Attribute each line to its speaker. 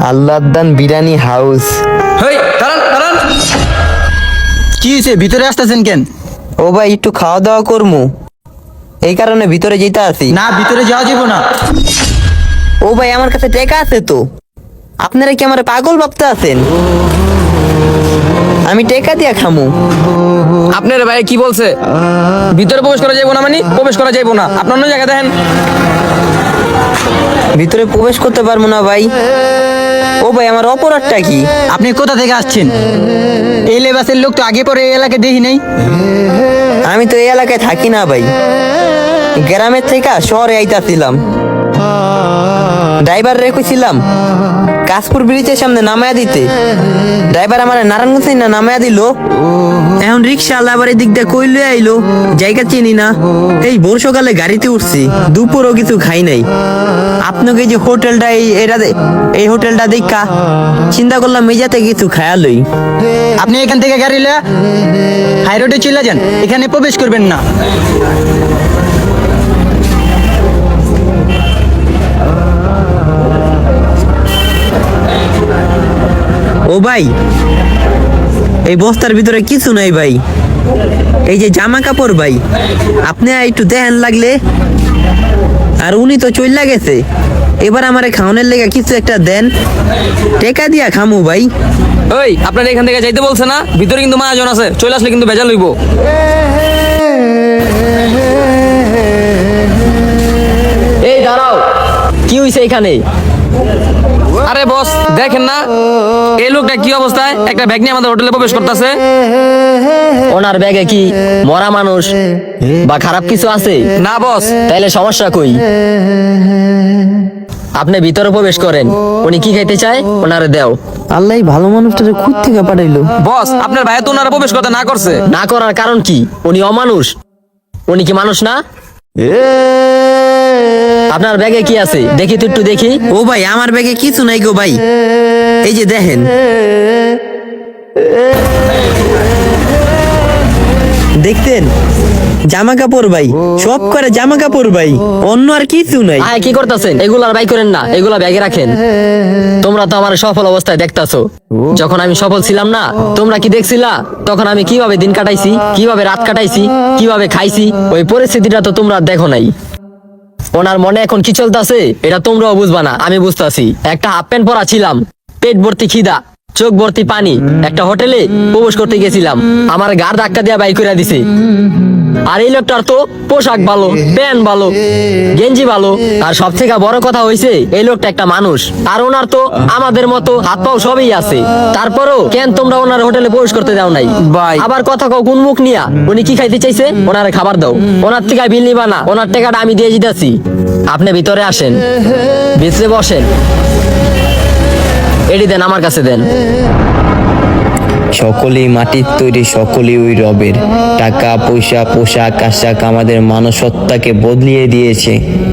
Speaker 1: Allahdan biryani house.
Speaker 2: হেই দাঁড়ান দাঁড়ান,
Speaker 3: কি হয়েছে, ভিতরে আসতেছেন কেন?
Speaker 1: ও ভাই একটু খাওয়া দাওয়া করমু, এই কারণে ভিতরে যেতে আছি।
Speaker 3: না, ভিতরে যাওয়া যাবো না।
Speaker 1: ও ভাই আমার কাছে টাকা আছে তো, আপনারা কি আমার পাগল ভাবতে আছেন? আমি টাকা দিয়া খামু।
Speaker 2: আপনার ভাই কি বলছে? ভিতরে প্রবেশ করা যাইবো না, মানে প্রবেশ করা যাইবো না। আপনার অন্য জায়গা দেখেন।
Speaker 1: ভিতরে প্রবেশ করতে পারবো না ভাই। ও ভাই আমার অপরাধটা কি?
Speaker 3: আপনি কোথা থেকে আসছেন? এই লেবাসের লোক তো আগে পরে এই এলাকায় দেখি নাই।
Speaker 1: আমি তো এই এলাকায় থাকি না ভাই, গ্রামের থেকে শহরে আইতাছিলাম। ড্রাইভার রেখেছিলাম কাশপুর ব্রিজের সামনে নামায়া দিতে, ড্রাইভার আমার নারায়ণগঞ্জ না নামায়া দিল। এখন রিক্সা আল্লাহ আবার এদিক দিয়ে কইলে আইলো, জায়গা চিনি না। এই ভোর সকালে গাড়িতে উঠছি, দুপুরও কিছু খাই নাই। আপনাকে এই যে হোটেলটা এই হোটেলটা দেখা চিন্তা করলাম মেজাতে কিছু খায়ালই।
Speaker 3: আপনি এখান থেকে গাড়ি লিয়ে হাই রোডে চলে যান, এখানে প্রবেশ করবেন না।
Speaker 1: ও ভাই, এই বস্তার ভিতরে কিছু নাই ভাই, এই যে জামা কাপড় ভাই, আপনি একটু দেখেন লাগলে। আর উনি তো চইলা গেছে, এবার আমারে খাওয়ানোর লেগে কিছু একটা দেন, টেকা দিয়া খামু ভাই।
Speaker 2: ওই আপনার এখান থেকে যাইতে বলছে না? ভিতরে কিন্তু মহাজন আছে, চলে আসলে কিন্তু ভেজাল হইব। এই দাঁড়াও, কি হইছে এখানে? আরে বস দেখেন না এই লোকটা কি অবস্থায়, একটা ব্যাগ নিয়ে আমাদের হোটেলে প্রবেশ করতেছে।
Speaker 4: ওনার ব্যাগে কি মরা মানুষ বা খারাপ কিছু আছে?
Speaker 2: না বস।
Speaker 4: তাইলে সমস্যা কই? আপনি ভিতরে প্রবেশ করেন, উনি কি খাইতে চায় ওনারে দেও।
Speaker 1: আল্লাহ ভালো মানুষটারে খুদ থেকে পাঠাইলো।
Speaker 2: বস আপনার ভাই তো ওনারা প্রবেশ করতে না করছে।
Speaker 4: না করার কারণ কি? উনি অমানুষ, উনি কি মানুষ না? আপনার ব্যাগে কি আছে দেখি তো, একটু দেখি।
Speaker 1: ও ভাই আমার ব্যাগে কিছু নাই গো ভাই, এই যে দেখেন। দেখতেন জামা কাপড় ভাই, সব করে জামা কাপড় ভাই, অন্য আর কিছু নাই।
Speaker 4: আয় কি করতেছেন? এগুলা বাই করেন না, এগুলা ব্যাগে রাখেন। তোমরা তো আমার সফল অবস্থায় দেখতাছো, যখন আমি সফল ছিলাম না তোমরা কি দেখছিলা? তখন আমি কিভাবে দিন কাটাইছি, কিভাবে রাত কাটাইছি, কিভাবে খাইছি, ওই পরিস্থিতিটা তো তোমরা দেখো নাই। ওনার মনে এখন কি চলতেছে এটা তোমরাও বুঝবা না, আমি বুঝতাছি। একটা হাফ প্যান্ট পরা ছিলাম, পেট ভর্তি খিদা, চোখ ভর্তি পানি, একটা হোটেলে প্রবেশ করতে গেছিলাম, আমার গাড় ধাক্কা দিয়া বাইক করে দিছে। আর এই লোকটার তো পোশাক ভালো, প্যান্ট ভালো, গেঞ্জি ভালো, আর সব থেকে বড় কথা হইছে এই লোকটা একটা মানুষ। আর ওনার তো আমাদের মতো হাত পাও সবই আছে, তারপরও কেন তোমরা ওনার হোটেলে প্রবেশ করতে দাও নাই?
Speaker 2: ভাই
Speaker 4: আবার কথা কও কোন মুখ নিয়া? উনি কি খাইতে চাইছে ওনারে খাবার দাও, ওনার থেকে বিল নিবা না, ওনার টাকাটা আমি দিয়ে দিতেছি। আপনি ভিতরে আসেন, ভিতরে বসেন, এডি দেন আমার কাছে দেন।
Speaker 1: সকলেই মাটির তৈরি, সকলেই ওই রবের। টাকা পয়সা পোশাক আশাক আমাদের মানসত্তাকে বদলিয়ে দিয়েছে।